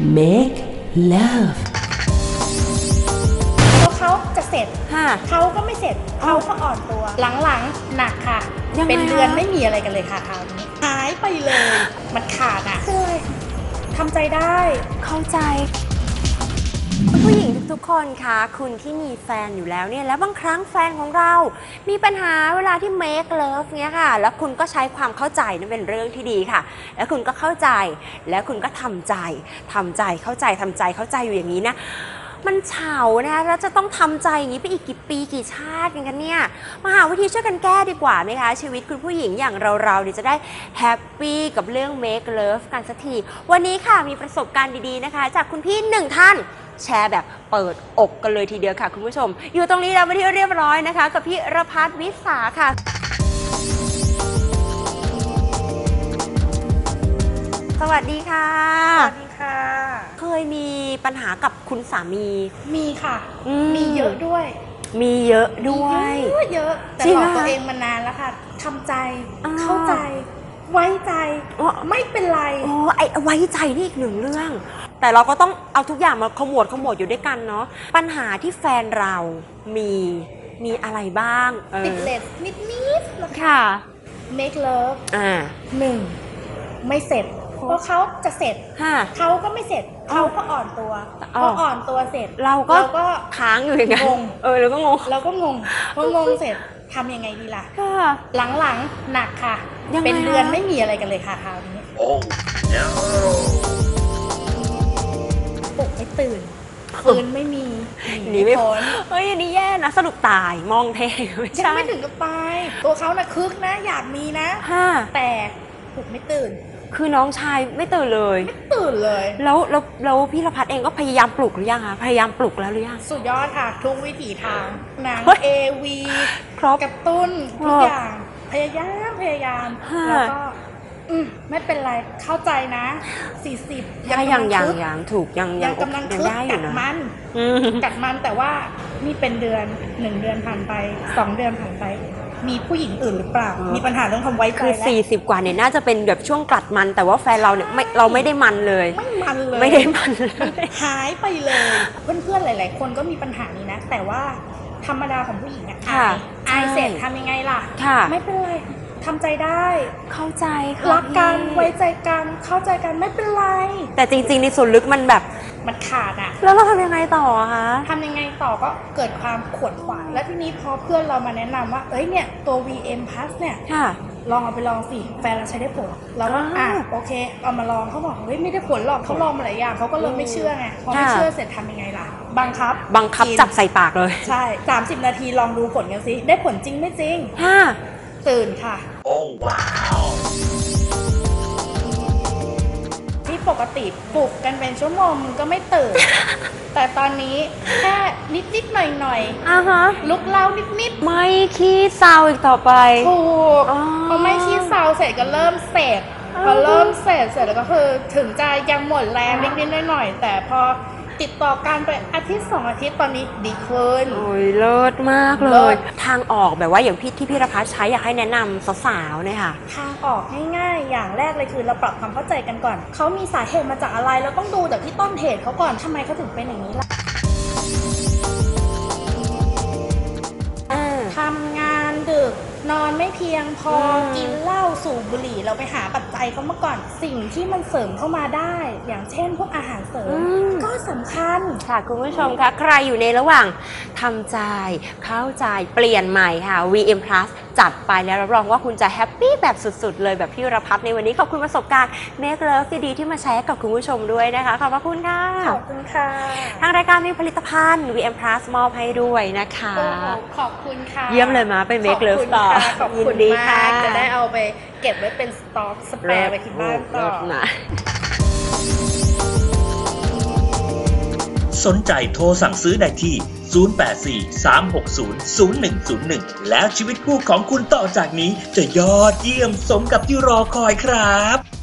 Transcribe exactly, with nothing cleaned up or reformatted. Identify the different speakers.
Speaker 1: make love
Speaker 2: เขาจะเสร็จเขาก็ไม่เสร็จเขาก็อ่อนตัวหลังๆหนักค่ะเป็นเดือนไม่มีอะไรกันเลยค่ะคราวนี้หายไปเลยมันขาดอ่ะคือทำใจได้
Speaker 3: เข้าใจผู้หญิงทุกๆคนคะคุณที่มีแฟนอยู่แล้วเนี่ยแล้วบางครั้งแฟนของเรามีปัญหาเวลาที่ make love เนี่ยค่ะแล้วคุณก็ใช้ความเข้าใจนั่นเป็นเรื่องที่ดีค่ะแล้วคุณก็เข้าใจแล้วคุณก็ทำใจทำใจเข้าใจทำใจเข้าใจอยู่อย่างนี้นะมันเฉานะคะแล้วจะต้องทำใจอย่างนี้ไปอีกกี่ปีกี่ชาติกันเนี่ยมาหาวิธีช่วยกันแก้ดีกว่าไหมคะชีวิตคุณผู้หญิงอย่างเราๆเนี่ยจะได้แฮปปี้กับเรื่อง make love กันสักทีวันนี้ค่ะมีประสบการณ์ดีๆนะคะจากคุณพี่หนึ่งท่านแชร์แบบเปิดอกกันเลยทีเดียวค่ะคุณผู้ชมอยู่ตรงนี้แล้วมาที่เรียบร้อยนะคะกับพี่รพัฒน์วิสาค่ะสวัสดีค่ะ
Speaker 2: สวัสดีค่ะ
Speaker 3: เคยมีปัญหากับคุณสามี
Speaker 2: มีค่ะมีเยอะด้วย
Speaker 3: มีเยอะด้วย
Speaker 2: เยอะเยอะแต่หลอกตัวเองมานานแล้วค่ะทำใจเข้าใจไว้ใจไม่เป็นไร
Speaker 3: อ๋อไอ้ไว้ใจนี่อีกหนึ่งเรื่องแต่เราก็ต้องเอาทุกอย่างมาขมวดขมวดอยู่ด้วยกันเนาะปัญหาที่แฟนเรามีมีอะไรบ้าง
Speaker 2: ติดเลสนิดนิด
Speaker 3: ค่ะ
Speaker 2: make love
Speaker 3: อ่า
Speaker 2: หนึ่งไม่เสร็จเพราะเขาจะเสร็จเขาก็ไม่เสร็จเขาก็อ่อนตัวพออ่อนตัวเสร็จ
Speaker 3: เราก็ค้างอยู่อย่างนั้น
Speaker 2: งง
Speaker 3: เออเราก็งง
Speaker 2: เราก็งงพองงเสร็จทำยังไงดีล่ะหลังๆหนักค่ะเป็นเดือนไม่มีอะไรกันเลยค่ะคราวนี้โอ้ปลุกไม่ตื่นคืนไม่มี
Speaker 3: หนีไม่พ้นเฮ้ยอันนี้แย่นะสรุปตายมองเทไม่ใช่
Speaker 2: ยังไม่ถึงกับตายตัวเขาน่ะคึกนะอยากมีนะแต่ปลุกไม่ตื่น
Speaker 3: คือน้องชายไม่ตื่นเลย
Speaker 2: ไม่ตื่นเลย
Speaker 3: แล้วแล้วแล้วพี่รพัฒน์เองก็พยายามปลุกหรือยังคะพยายามปลุกแล้วหรือยัง
Speaker 2: สุดยอดค่ะทุกวิถีทางหนังเอวี
Speaker 3: ครบ
Speaker 2: กระตุ้นทุกอย่างพยายามพยายามแล้วก็อืมไม่เป็นไรเข้าใจนะสี่สิบ
Speaker 3: ยังยังยังยังถูกยัง
Speaker 2: ยังกำลังคึกกัดมันกัดมันแต่ว่านี่เป็นเดือนหนึ่งเดือนผ่านไปสองเดือนผ่านไปมีผู้หญิงอื่นหรือเปล่ามีปัญหาเรื่องความไว้ใจ
Speaker 3: คือสี่สิบกว่าเนี่ยน่าจะเป็นแบบช่วงกลัดมันแต่ว่าแฟนเราเนี่ยไม่เราไม่ได้มันเลย
Speaker 2: ไม่มันเลย
Speaker 3: ไม่ได้มันเลย
Speaker 2: หายไปเลยเพื่อนๆหลายๆคนก็มีปัญหานี้นะแต่ว่าธรรมดาของผู้หญิงอะอายอายเสร็จทำยังไงล่ะไม่เป็นไรทำใจได้
Speaker 3: เข้าใจ
Speaker 2: รักกันไว้ใจกันเข้าใจกันไม่เป็นไร
Speaker 3: แต่จริงๆในส่วนลึกมันแบบ
Speaker 2: มันขาดอะ
Speaker 3: แล้วเราทำยังไงต่อคะ
Speaker 2: ทำยังไงต่อก็เกิดความขวนขวายแล้วทีนี้พอเพื่อนเรามาแนะนำว่าเอ้ยเนี่ยตัว วี เอ็ม Plus เนี่ยลองเอาไปลองสิแฟนเราใช้ได้ผลแล้วก็อ่ะโอเคเอามาลองเขาบอกเฮ้ยไม่ได้ผลหรอกเขาลองมาหลายอย่างเขาก็เลยไม่เชื่อไงพอไม่เชื่อเสร็จทำยังไงล่ะบังคับ
Speaker 3: บังคับจับใส่ปากเลย
Speaker 2: ใช่สามสิบนาทีลองดูผลกันสิได้ผลจริงไม่จริงตื่นค่ะโอ้ว้าวที่ปกติปลุกกันเป็นชั่วโมงก็ไม่ตื่นแต่ตอนนี้แค่นิดนิดหน่อยหน่อย
Speaker 3: อ่าฮะ
Speaker 2: ลุกเล่านิดนิด
Speaker 3: ไม่ขี้เศร้าอีกต่อไป
Speaker 2: ถูกพอไม่ขี้เศร้าเสร็จก็เริ่มเสร็จพอเริ่มเสร็จเสร็จแล้วก็คือถึงจะยังหมดแรงนิดนิดหน่อยหน่อยแต่พอติดต่อการไปอาทิตย์สองอาทิตย์ตอนนี้ดีขึ้น
Speaker 3: โอ้ยเลิศมากเลยทางออกแบบว่าอย่างพี่ที่พี่รพัฒน์ใช้อยากให้แนะนำสาวๆเนี่ยค่ะ
Speaker 2: ทางออกง่ายๆอย่างแรกเลยคือเราปรับความเข้าใจกันก่อนเขามีสาเหตุมาจากอะไรเราต้องดูจากที่ต้นเหตุเขาก่อนทำไมเขาถึงเป็นอย่างนี้ล่ะทำงานดึกนอนไม่เพียงพอกินเหล้าสูบบุหรี่เราไปหาปัจจัยเขามาก่อนสิ่งที่มันเสริมเข้ามาได้อย่างเช่นพวกอาหารเสริมก็สำคัญ
Speaker 3: ค่ะคุณผู้ชมคะใครอยู่ในระหว่างทำใจเข้าใจเปลี่ยนใหม่ค่ะ วี เอ็ม Plus จัดไปแล้วรับรองว่าคุณจะแฮปปี้แบบสุดๆเลยแบบพี่รพัฒน์ในวันนี้ขอบคุณประสบการณ์ Make Love ดีๆที่มาแชร์กับคุณผู้ชมด้วยนะคะขอบพระคุณค่ะ
Speaker 2: ขอบคุณค่ะ
Speaker 3: ทางรายการมีผลิตภัณฑ์ วี เอ็ม Plus มอบให้ด้วยนะคะ
Speaker 2: ขอบคุณค่ะ
Speaker 3: เยี่ยมเลยมาไป Make Love ต่อ
Speaker 2: ขอบคุณมากจะได้เอาไปเก็บไว้เป็นสต็อกสเปรย์ไปที่บ้านต่อ
Speaker 4: สนใจโทรสั่งซื้อได้ที่ ศูนย์ แปด สี่ สาม หก ศูนย์ ศูนย์ หนึ่ง ศูนย์ หนึ่ง แล้วชีวิตคู่ของคุณต่อจากนี้จะยอดเยี่ยมสมกับที่รอคอยครับ